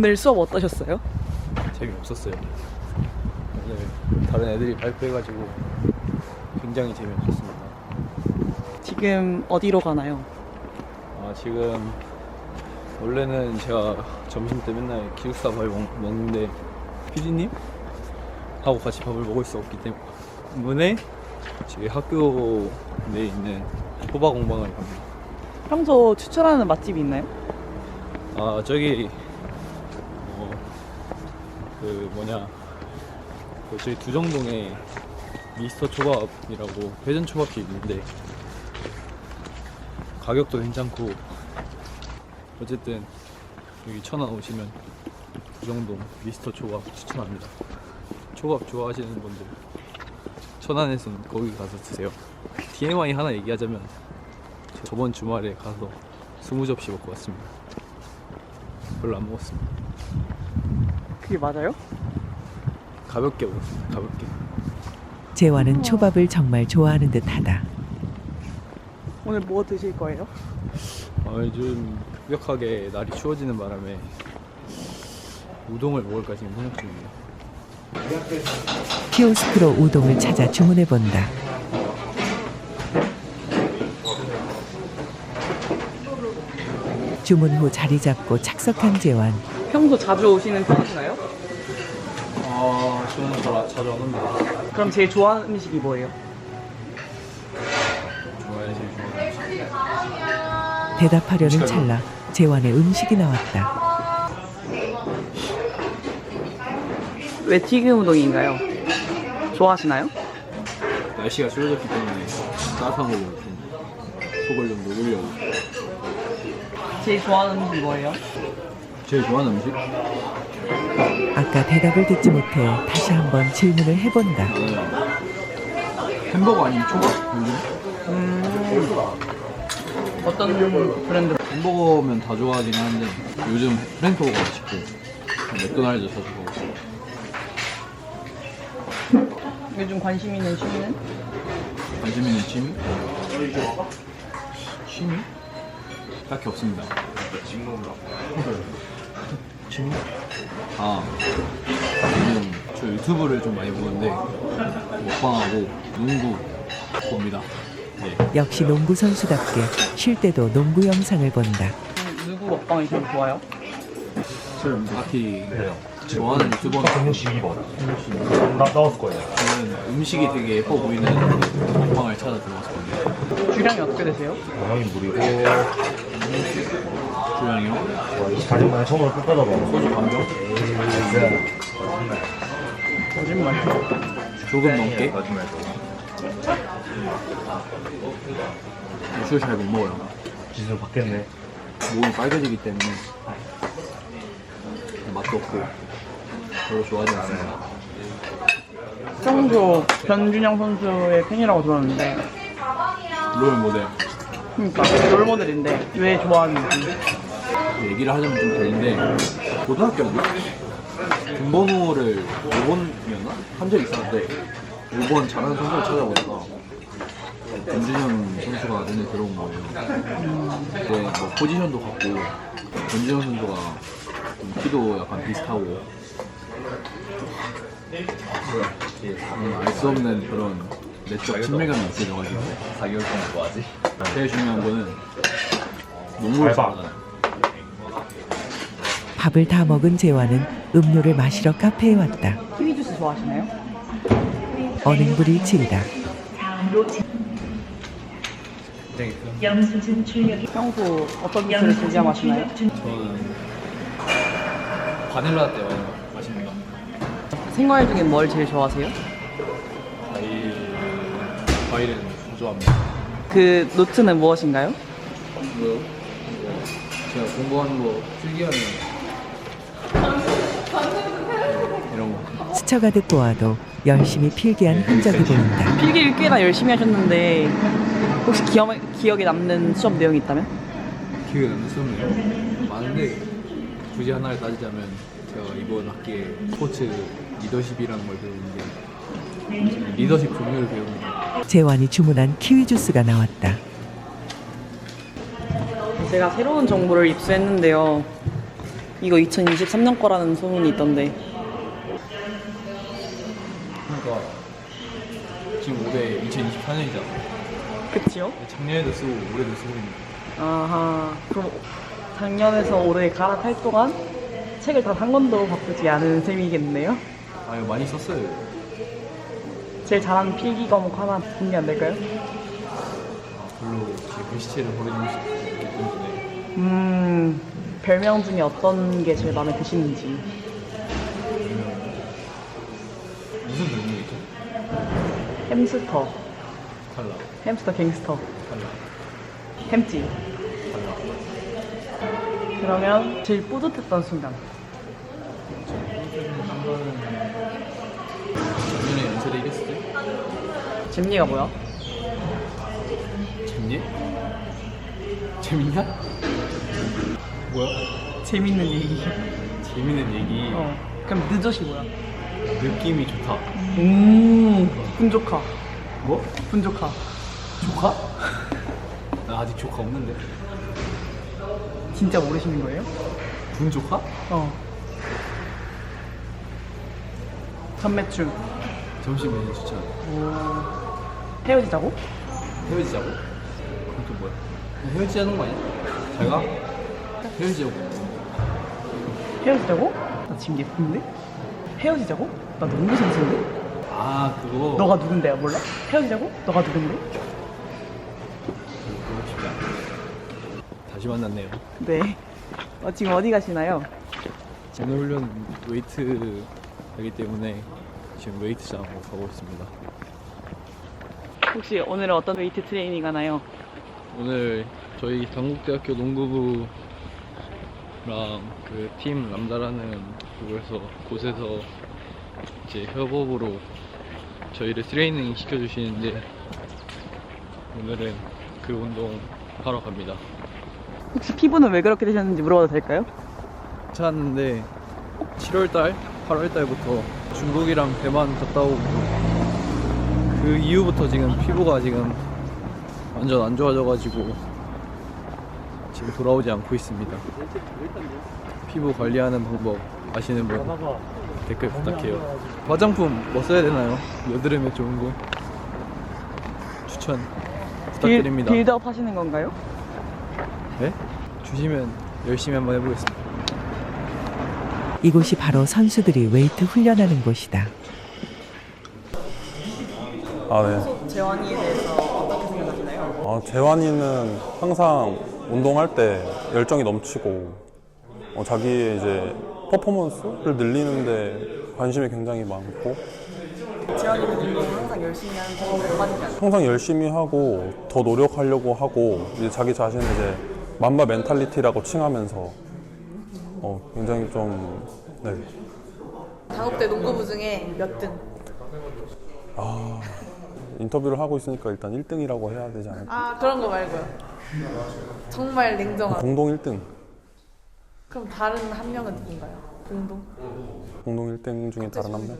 오늘 수업 어떠셨어요? 재미없었어요. 오늘 다른 애들이 발표해가지고 굉장히 재미없었습니다. 지금 어디로 가나요? 지금 원래는 제가 점심 때 맨날 기숙사 밥 먹는데 PD님 하고 같이 밥을 먹을 수 없기 때문에 저희 학교 내에 있는 호박공방을 갑니다. 평소 추천하는 맛집이 있나요? 저기 저희 두정동에 미스터 초밥이라고 회전 초밥집 있는데 가격도 괜찮고 어쨌든 여기 천안 오시면 두정동 미스터 초밥 추천합니다. 초밥 좋아하시는 분들 천안에서는 거기 가서 드세요. TMI 하나 얘기하자면 저번 주말에 가서 20접시 먹고 왔습니다. 별로 안 먹었습니다. 그게 맞아요? 가볍게 먹었습니다. 가볍게. 재환은 초밥을 정말 좋아하는 듯하다. 오늘 뭐 드실 거예요? 요즘 급격하게 날이 추워지는 바람에 우동을 먹을까 지금 생각 중입니다. 키오스크로 우동을 찾아 주문해본다. 주문 후 자리 잡고 착석한 재환. 평소 자주 오시는 편이신가요? 저는 자주 안 옵니다. 그럼 제일 좋아하는 음식이 뭐예요? 좋아요, 제일 좋아하는 음식. 대답하려는 찰나 재환의 음식이 나왔다. 왜 튀김 우동인가요? 좋아하시나요? 날씨가 추워졌기 때문에 따뜻한 걸로 좀 속을 좀 녹이려고. 제일 좋아하는 음식 뭐예요? 제일 좋아하는 음식? 아까 대답을 듣지 못해 다시 한번 질문을 해본다. 햄버거 아니면 초밥? 요즘? 어떤 브랜드? 햄버거면 다 좋아하긴 하는데 요즘 프랭크버거 맛있고 맥도날드 자주 먹고. 요즘 관심 있는 취미는? 관심 있는 취미? 취미? 딱히 없습니다. 취미? 요즘 저 유튜브를 좀 많이 보는데 먹방하고 농구 봅니다. 네. 역시 농구 선수답게 쉴 때도 농구 영상을 본다. 누구 먹방이 제일 좋아요? 딱히 좋아하는 유튜버는 162번. 나왔을 거예요. 저는 음식이 되게 예뻐 보이는 먹방을 찾아 들어갔거든요. 주량이 어떻게 되세요? 형이 무리고 주량이요? 24년만에 처음으로 끝까지 먹어. 소주 반병? 거짓말. 조금 넘게? 술 잘 못 먹어요. 기술 바뀌었네. 몸이 빨개지기 때문에 맛도 없고 별로 좋아하지 않습니다. 평소 변준영 선수의 팬이라고 들었는데, 롤 모델 그러니까 롤모델인데 왜 좋아하는지. 얘기를 하자면 좀 되는데 고등학교 때 김번호를 5번이었나? 한 적이 있었는데 5번 잘하는 선수를 찾아보다가 변준현 선수가 눈에 들어온 거예요. 근데 뭐 포지션도 같고 변준현 선수가 좀 키도 약간 비슷하고 알 수 없는 그런 내적 친밀감이 느껴져가지고 4개월 동안 뭐하지? 제일 중요한 거는 농구를 잘하잖아요. 밥을 다 먹은 재환은 음료를 마시러 카페에 왔다. 키위 주스 좋아하시나요? 어능불이 질다. 평소 어떤 주스를 즐겨 마시나요? 저는 바닐라 때 많이 마십니다. 생과일 중에 뭘 제일 좋아하세요? 과일은 좋아합니다. 그 노트는 무엇인가요? 뭐요? 제가 공부하는 거 필기하는 이런 거. 스쳐가듯 보아도 열심히 필기한 흔적이 보인다. 필기를 꽤나 열심히 하셨는데 혹시 기억에 남는 수업 내용이 있다면? 기억에 남는 수업이요? 많은데 굳이 하나를 따지자면 제가 이번 학기에 스포츠 리더십이라는 걸 배우는데 리더십 종류를 배웁니다. 재환이 주문한 키위 주스가 나왔다. 제가 새로운 정보를 입수했는데요. 이거 2023년 거라는 소문이 있던데. 그러니까 지금 올해 2024년이잖아. 그치요? 작년에도 쓰고 올해도 쓰고 있는 거. 아하. 그럼 작년에서 올해 갈아탈 동안 책을 단 한 권도 바꾸지 않은 셈이겠네요? 아 이거 많이 썼어요. 제일 잘하는 필기 과목 하나 공개 안 될까요? 별로 제 글씨체를 보여주고 싶기 때문에 별명 중에 어떤 게 제일 마음에 드시는지. 무슨 별명이죠? 햄스터, 탈락, 햄스터 갱스터, 탈락, 햄찌. 탈락. 그러면 제일 뿌듯했던 순간. 작년에 연세대 이랬을 때? 잼니가 뭐야? 재밌니? 재밌냐? 뭐야? 재밌는 얘기. 재밌는 얘기. 그럼 늦어시 뭐야? 느낌이 좋다. 분조카. 뭐? 분조카. 조카? 나 아직 조카 없는데. 진짜 모르시는 거예요? 분조카? 전매춤. 점심 메뉴 추천. 헤어지자고? 헤어지자고? 그건 또 뭐야? 그냥 헤어지자는 거 아니야? 잘 가? 헤어지자고. 헤어지자고? 나 지금 예쁜데? 헤어지자고? 나 너무 sensi인데? 아 그거. 너가 누군데야 몰라? 헤어지자고? 너가 누군데? 그거 쉽지 않아. 다시 만났네요. 네. 지금 어디 가시나요? 오늘 훈련 웨이트 하기 때문에 지금 웨이트장으로 가고 있습니다. 혹시 오늘은 어떤 웨이트 트레이닝 하나요? 오늘 저희 당국대학교 농구부랑 그 팀 람다라는 곳에서 이제 협업으로 저희를 트레이닝 시켜주시는데 오늘은 그 운동 하러 갑니다. 혹시 피부는 왜 그렇게 되셨는지 물어봐도 될까요? 찾았는데 7월달, 8월달부터 중국이랑 대만 갔다 오고 그 이후부터 지금 피부가 지금 완전 안 좋아져가지고 지금 돌아오지 않고 있습니다. 피부 관리하는 방법 아시는 분 댓글 부탁해요. 화장품 뭐 써야 되나요? 여드름에 좋은 거 추천 부탁드립니다. 빌드업 하시는 건가요? 네? 주시면 열심히 한번 해보겠습니다. 이곳이 바로 선수들이 웨이트 훈련하는 곳이다. 아, 네. 재환이에 대해서 어떻게 생각하시나요? 재환이는 항상 운동할 때 열정이 넘치고 자기의 이제 퍼포먼스를 늘리는데 관심이 굉장히 많고 재환이는 운동을 항상 열심히 하는 편이에요? 빠지지 않아요? 항상 열심히 하고 더 노력하려고 하고 이제 자기 자신을 이제 맘바 멘탈리티라고 칭하면서 굉장히 좀 네. 당국대 농구부 중에 몇 등? 인터뷰를 하고 있으니까 일단 1등이라고 해야 되지 않을까? 아 그런 거 말고요. 정말 냉정한. 공동 1등. 그럼 다른 한 명은 누군가요? 공동 1등 중에 다른 한 명?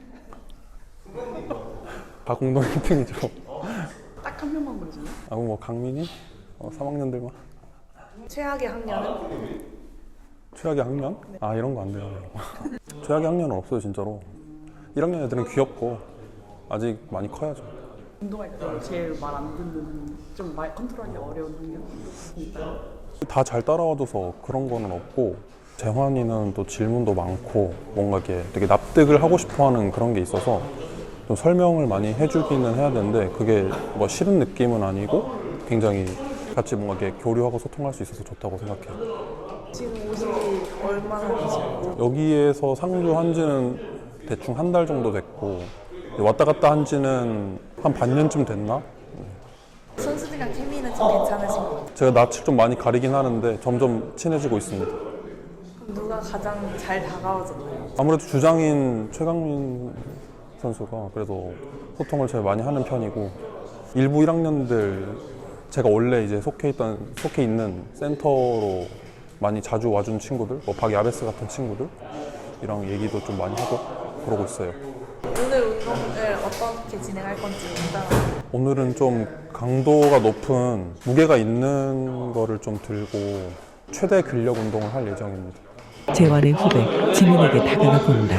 다 공동 1등이죠. 딱 한 명만 보여주나요? 그럼 뭐 강민이? 3학년들만? 최악의 학년은? 최악의 학년? 아 이런 거 안 돼요. 최악의 학년은 없어요 진짜로. 1학년 애들은 귀엽고 아직 많이 커야죠. 운동할 때 제일 말 안 듣는 좀 말 컨트롤하기 어려운 학년 있나요? 다 잘 따라와줘서 그런 거는 없고 재환이는 또 질문도 많고 뭔가 이렇게 되게 납득을 하고 싶어하는 그런 게 있어서 좀 설명을 많이 해주기는 해야 되는데 그게 뭐 싫은 느낌은 아니고 굉장히 같이 뭔가 이렇게 교류하고 소통할 수 있어서 좋다고 생각해요. 지금 오신 지 얼마나 되셨고? 여기에서 상주한 지는 대충 한 달 정도 됐고 왔다 갔다 한 지는 한 반년쯤 됐나? 선수들이랑 케미는 좀 괜찮으신 것 같아요. 제가 낯을 좀 많이 가리긴 하는데 점점 친해지고 있습니다. 그럼 누가 가장 잘 다가와줬나요? 아무래도 주장인 최강민 선수가 그래도 소통을 제일 많이 하는 편이고 일부 1학년들 제가 원래 이제 속해 있는 센터로 많이 자주 와준 친구들, 뭐 박야베스 같은 친구들이랑 얘기도 좀 많이 하고 그러고 있어요. 오늘 운동을 어떻게 진행할 건지 일단 오늘은 좀 강도가 높은 무게가 있는 거를 좀 들고 최대 근력 운동을 할 예정입니다. 재환의 후배 지민에게 다가가 본다.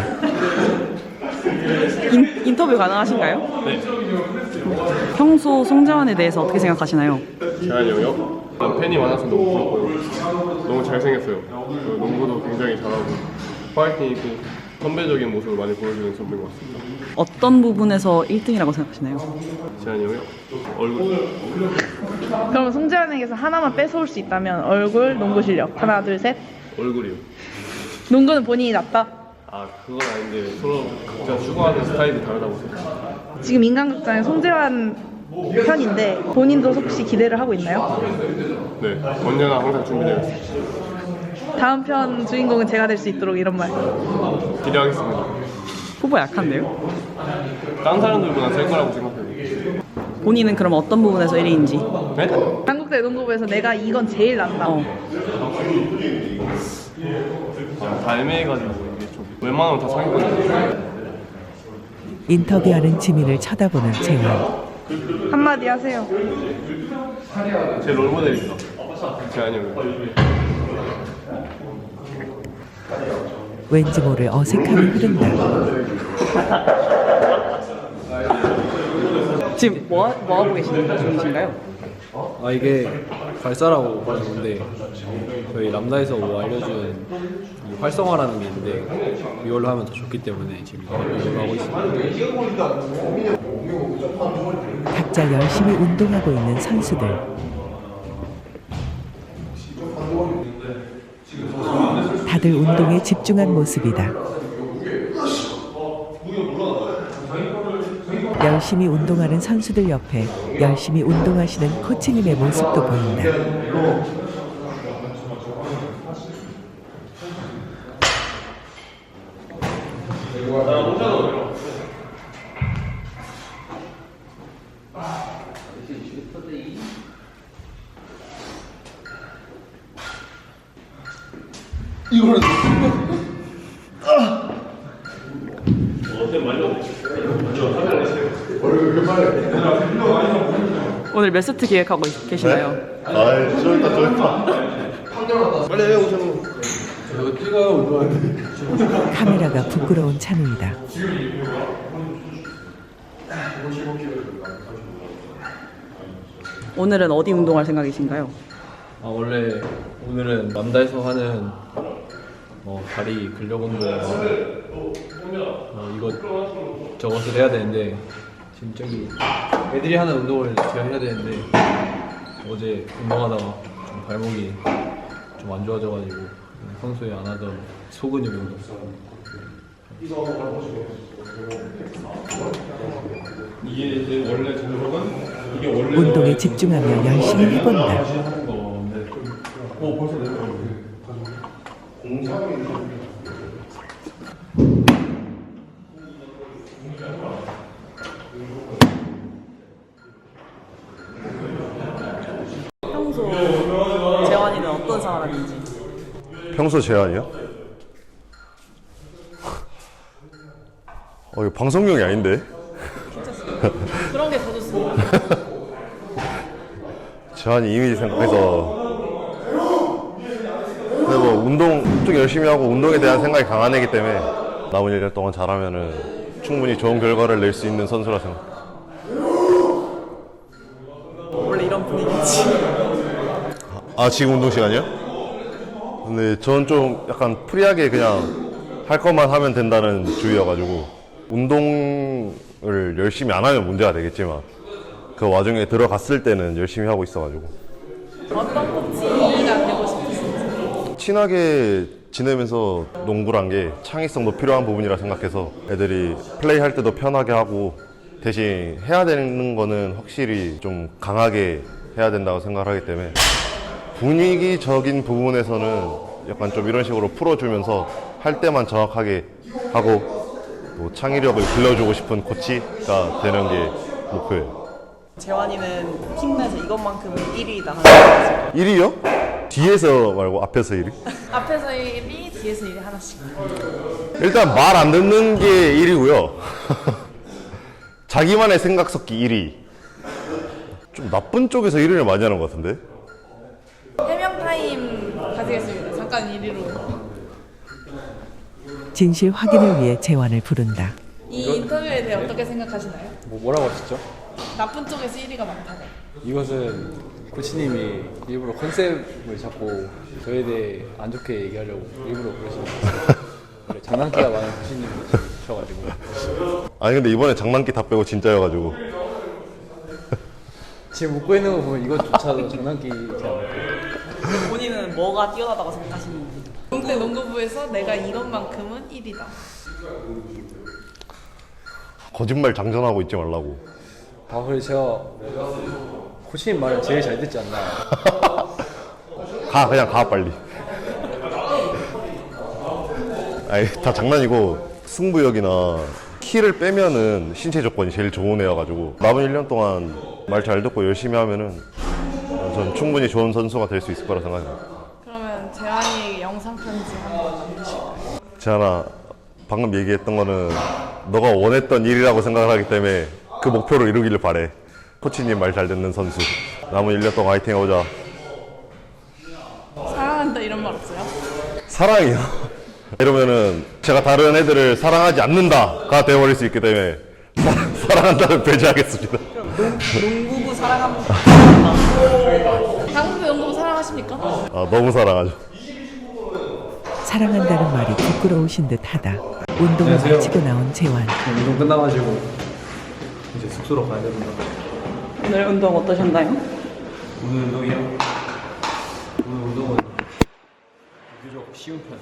인터뷰 가능하신가요? 네. 평소 송재환에 대해서 어떻게 생각하시나요? 재환이 형이요? 난 팬이 많아서 너무 부럽고요. 너무 잘생겼어요. 그리고 농구도 굉장히 잘하고 파이팅 있고 선배적인 모습을 많이 보여주는 선배인 것 같습니다. 어떤 부분에서 1등이라고 생각하시나요? 재환이 형이요? 얼굴. 그럼 송재환에게서 하나만 뺏어올 수 있다면 얼굴, 농구 실력. 하나, 둘, 셋. 얼굴이요. 농구는 본인이 낫다. 아 그건 아닌데 서로 각자 추구하는 스타일이 다르다고 생각해요. 지금 인간극장의 송재환 편인데 본인도 혹시 기대를 하고 있나요? 네, 언제나 항상 준비되어 있습니다. 다음 편 주인공은 제가 될 수 있도록 이런 말. 기대하겠습니다. 후보 약한데요? 다른 사람들보다 셀 거라고 생각해요. 본인은 그럼 어떤 부분에서 1위인지? 네? 한국대 농구부에서 내가 이건 제일 낫다. 다 애매해가지고 이게 좀 웬만하면 다 상위권이에요. 인터뷰하는 지민을 쳐다보는 재환. 한마디 하세요. 제 롤모델입니다. 재환이 형. 왠지 모를 어색함이 흐른다. 지금 뭐 하고 계시는 중이신가요? 아 이게 발사라고 하는 건데 저희 람다에서 뭐 알려준 이 활성화라는 게 있는데 이걸로 하면 더 좋기 때문에 지금 이걸로 하고 있습니다. 각자 열심히 운동하고 있는 선수들. 다들 운동에 집중한 모습이다. 열심히 운동하는 선수들 옆에 열심히 운동하시는 코치님의 모습도 보인다. 오늘 몇 세트 기획하고 계시나요? 카메라가 부끄러운 찬우이다. 오늘은 어디 운동할 생각이신가요? 아 원래 오늘은 람다에서 하는 다리 근력 운동하고 이것 저것을 해야 되는데 지금 저기 애들이 하는 운동을 제가 해야 되는데 어제 운동하다가 좀 발목이 좀 안 좋아져가지고 평소에 안 하던 소근육 운동. 이게 이제 원래 제목은 이게 원래 운동에 집중하며 열심히 해본다. 벌써 내려가고. 평소 재환이는 어떤 사람인지? 평소 재환이요? 이거 방송용이 아닌데? 그런 게 더 좋습니다. 재환이 이미지 생각해서 근데 뭐 운동 좀 열심히 하고 운동에 대한 생각이 강한 애기 때문에 남은 1년 동안 잘하면은 충분히 좋은 결과를 낼 수 있는 선수라 생각. 원래 이런 분위기지. 아 지금 운동 시간이요? 근데 전 좀 약간 프리하게 그냥 할 것만 하면 된다는 주의여가지고 운동을 열심히 안 하면 문제가 되겠지만 그 와중에 들어갔을 때는 열심히 하고 있어가지고. 어떤 코치가 되고 싶으신지? 친하게 지내면서 농구란 게 창의성도 필요한 부분이라 생각해서 애들이 플레이할 때도 편하게 하고 대신 해야 되는 거는 확실히 좀 강하게 해야 된다고 생각을 하기 때문에 분위기적인 부분에서는 약간 좀 이런 식으로 풀어주면서 할 때만 정확하게 하고 또 창의력을 길러주고 싶은 코치가 되는 게 목표예요. 재환이는 팀 내에서 이것만큼은 1위다 하는 거 1위요? 뒤에서 말고 앞에서 1위? 앞에서 1위, 뒤에서 1위 하나씩. 일단 말 안 듣는 게 1위고요. 자기만의 생각 섞기 1위. 좀 나쁜 쪽에서 1위를 많이 하는 것 같은데? 해명 타임 가지겠습니다. 잠깐 1위로. 진실 확인을 위해 재환을 부른다. 이 인터뷰에 대해 어떻게 생각하시나요? 뭐라고 하셨죠? 나쁜 쪽에서 1위가 많다고. 이것은 코치님이 일부러 컨셉을 잡고 저에 대해 안 좋게 얘기하려고 일부러 그러시는 것 같아요. 원래 장난기가 많은 코치님이셔가지고 아니 근데 이번에 장난기 다 빼고 진짜여가지고 지금 웃고 있는 거 보면 이것조차도 장난기지 않을까요? 본인은 뭐가 뛰어나다고 생각하시는지. 동대 농구부에서 내가 이것만큼은 1위다. 거짓말 장전하고 있지 말라고. 아 그래 제가 코치님 말을 제일 잘 듣지 않나요? 그냥 가 빨리. 아니 다 장난이고 승부욕이나 키를 빼면은 신체 조건이 제일 좋은 애여가지고 남은 1년 동안 말 잘 듣고 열심히 하면은 전 충분히 좋은 선수가 될 수 있을 거라 생각합니다. 그러면 재환이에게 영상 편지 한번 남기실까요? 재환아, 방금 얘기했던 거는 너가 원했던 일이라고 생각을 하기 때문에 그 목표를 이루기를 바래. 코치님 말 잘 듣는 선수. 남은 1년 동안 화이팅 해보자. 사랑한다 이런 말 없어요? 사랑이요. 이러면은 제가 다른 애들을 사랑하지 않는다가 되어버릴 수 있기 때문에 사랑한다를 배제하겠습니다. 농구부 사랑합니다. 한국의 농구부 사랑하십니까? 아, 너무 사랑하죠. 사랑한다는 말이 부끄러우신 듯하다. 운동을 마치고 나온 재환. 운동 끝나가지고 이제 숙소로 가야 됩니다. 오늘 운동 어떠셨나요? 오늘 운동이요? 오늘 운동은 비교적 쉬운 편.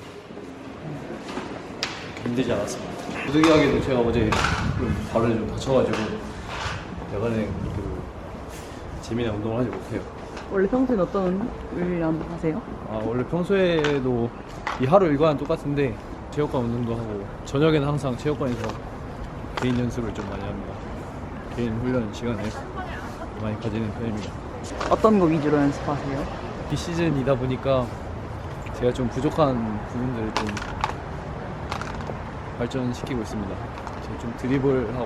힘들지 않았습니다. 부득이하게도 제가 어제 좀 발을 좀 다쳐가지고 야간에 그 재미난 운동을 하지 못해요. 원래 평소엔 어떤 훈련 하세요? 아 원래 평소에도 이 하루 일과는 똑같은데 체육관 운동도 하고 저녁에는 항상 체육관에서 개인 연습을 좀 많이 합니다. 개인 훈련 시간을 많이 가지는 편입니다. 어떤 거 위주로 연습하세요? 비시즌이다 보니까 제가 좀 부족한 부분들을 좀 발전시키고 있습니다. 제가 좀 드리블하고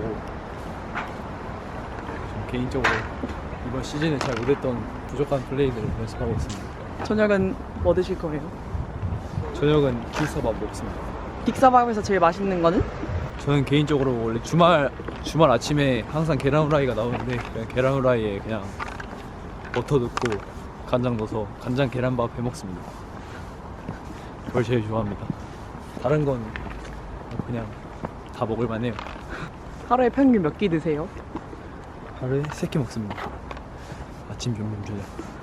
좀 개인적으로 이번 시즌에 잘 못했던 부족한 플레이들을 연습하고 있습니다. 저녁은 뭐 드실 거예요? 저녁은 킬서밥 먹습니다. 빅사밥에서 제일 맛있는 거는? 저는 개인적으로 원래 주말 아침에 항상 계란 후라이가 나오는데 그냥 계란 후라이에 그냥 버터 넣고 간장 넣어서 간장 계란밥 해 먹습니다. 그걸 제일 좋아합니다. 다른 건 그냥 다 먹을만 해요. 하루에 평균 몇 끼 드세요? 하루에 3끼 먹습니다. 아침, 점심, 저녁.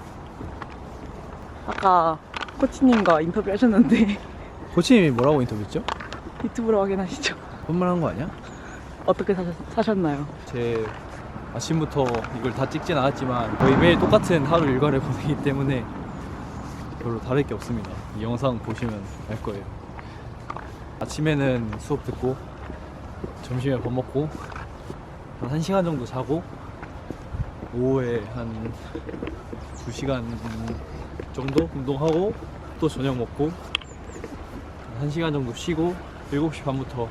아까 코치님과 인터뷰 하셨는데 코치님이 뭐라고 인터뷰했죠? 유튜브로 확인하시죠. 혼만한 거 아니야? 어떻게 사셨나요? 제 아침부터 이걸 다 찍진 않았지만 거의 매일 똑같은 하루 일과를 보내기 때문에 별로 다를 게 없습니다. 이 영상 보시면 알 거예요. 아침에는 수업 듣고 점심에 밥 먹고 한 1시간 정도 자고 오후에 한 2시간 정도 운동하고 또 저녁 먹고 1시간 정도 쉬고 7시 반부터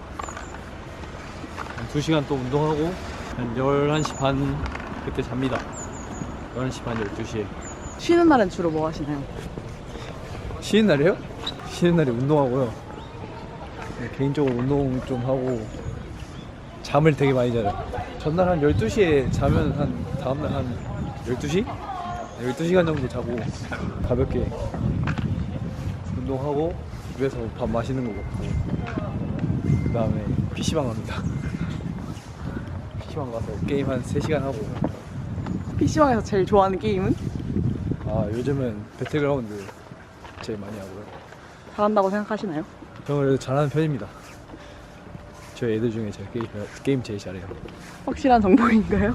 한 2시간 또 운동하고 한 11시 반 그때 잡니다. 11시 반 12시에. 쉬는 날은 주로 뭐 하시나요? 쉬는 날이요? 쉬는 날에 운동하고요. 개인적으로 운동 좀 하고 잠을 되게 많이 자요. 전날 한 12시에 자면 한 다음날 한 12시? 12시간 정도 자고 가볍게 운동하고 집에서 밥 맛있는 거 먹고 그 다음에 PC방 갑니다. PC방 가서 게임 한 3시간 하고. PC방에서 제일 좋아하는 게임은? 아 요즘은 배틀그라운드 제일 많이 하고요. 잘한다고 생각하시나요? 저는 그래도 잘하는 편입니다. 저희 애들 중에 제가 게임 제일 잘해요. 확실한 정보인가요?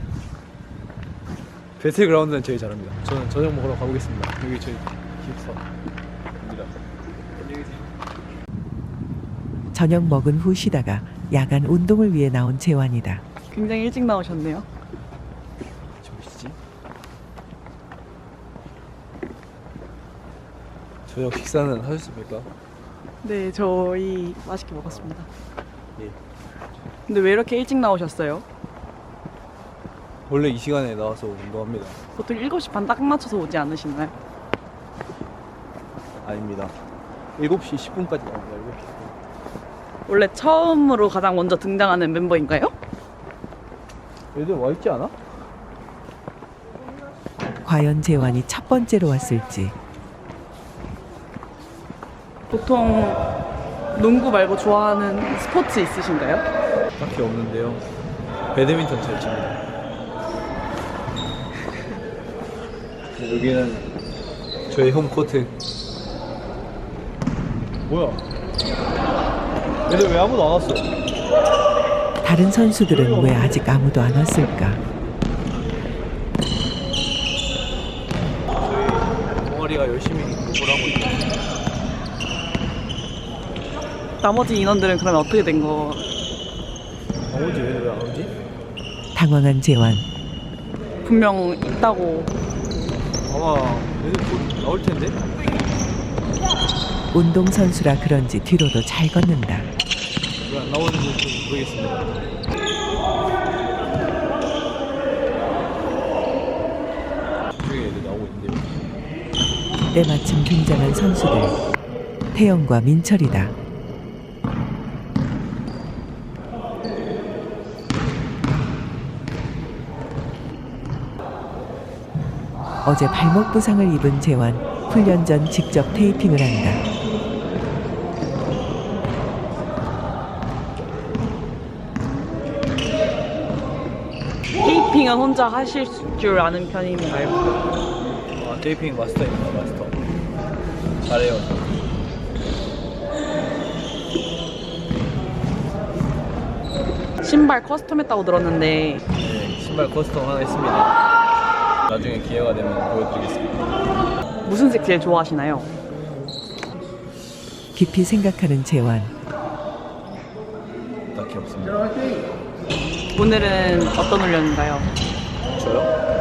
배틀그라운드는 제일 잘합니다. 저는 저녁 먹으러 가보겠습니다. 여기 저희 기숙사입니다. 저녁 먹은 후 쉬다가 야간 운동을 위해 나온 재환이다. 굉장히 일찍 나오셨네요. 저기지? 저녁 식사는 하셨습니까? 네, 저희 맛있게 먹었습니다. 예. 근데 왜 이렇게 일찍 나오셨어요? 원래 이 시간에 나와서 운동합니다. 보통 7시 반 딱 맞춰서 오지 않으시나요? 아닙니다. 7시 10분까지 나옵니다. 7시 10분. 원래 처음으로 가장 먼저 등장하는 멤버인가요? 얘들 와 있지 않아? 과연 재환이 첫 번째로 왔을지. 보통 농구 말고 좋아하는 스포츠 있으신가요? 딱히 없는데요. 배드민턴 잘 칩니다. 여기는 저희 홈코트. 뭐야? 얘들 왜 아무도 안 왔어? 다른 선수들은 왜 아직 아무도 안 왔을까? 저희 동아리가 열심히 공부를 하고 있어요. 나머지 인원들은 그러면 어떻게 된 거? 나머지 얘들 왜 안 오지? 당황한 재환. 분명 있다고. 아마 얘들 곧 나올 텐데? 운동선수라 그런지 뒤로도 잘 걷는다. 왜 안 나오는지 좀 모르겠습니다. 저쪽에 애들 나오고 있는데요. 때마침 등장한 선수들. 태영과 민철이다. 어제 발목 부상을 입은 재환. 훈련 전 직접 테이핑을 한다. 테이핑은 혼자 하실 줄 아는 편인가요? 아, 테이핑 마스터입니다, 마스터. 잘해요. 신발 커스텀했다고 들었는데 네, 신발 커스텀 하나 했습니다. 나중에 기회가 되면 보여드리겠습니다. 무슨 색 제일 좋아하시나요? 깊이 생각하는 재환. 딱히 없습니다. 오늘은 어떤 훈련인가요? 저요?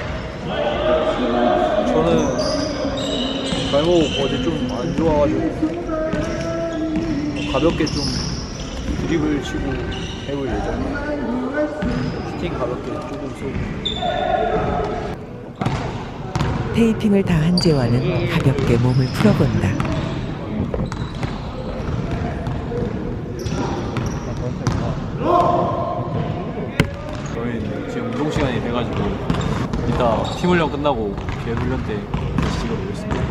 저는 발목 어제 좀 안 좋아가지고 가볍게 좀 드리블 치고 해볼 예정이에요. 슈팅 가볍게 조금 쏘고. 테이핑을 다 한 재환은 가볍게 몸을 풀어본다. 저희 지금 운동 시간이 돼가지고 이따 팀 훈련 끝나고 개 훈련 때 다시 찍어보겠습니다.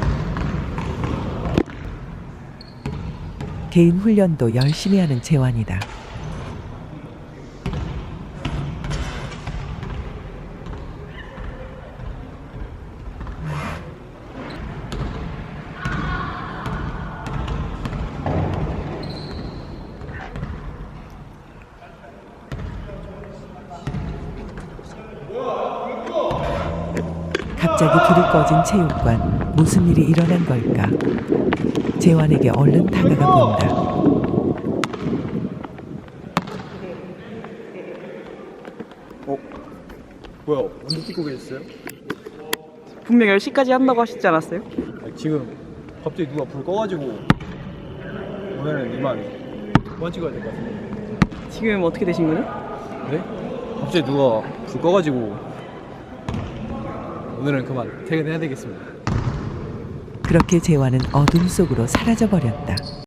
개인 훈련도 열심히 하는 재환이다. 갑자기 불이 꺼진 체육관. 무슨 일이 일어난 걸까? 재환에게 얼른 다가가 본다. 뭐야? 언제 찍고 계셨어요? 분명 10시까지 한다고 하시지 않았어요? 지금 갑자기 누가 불 꺼가지고 오늘은 이만 그만 찍어야 될 것 같은데. 지금 어떻게 되신 거죠? 네? 갑자기 누가 불 꺼가지고 오늘은 그만 퇴근해야 되겠습니다. 그렇게 재환은 어둠 속으로 사라져버렸다.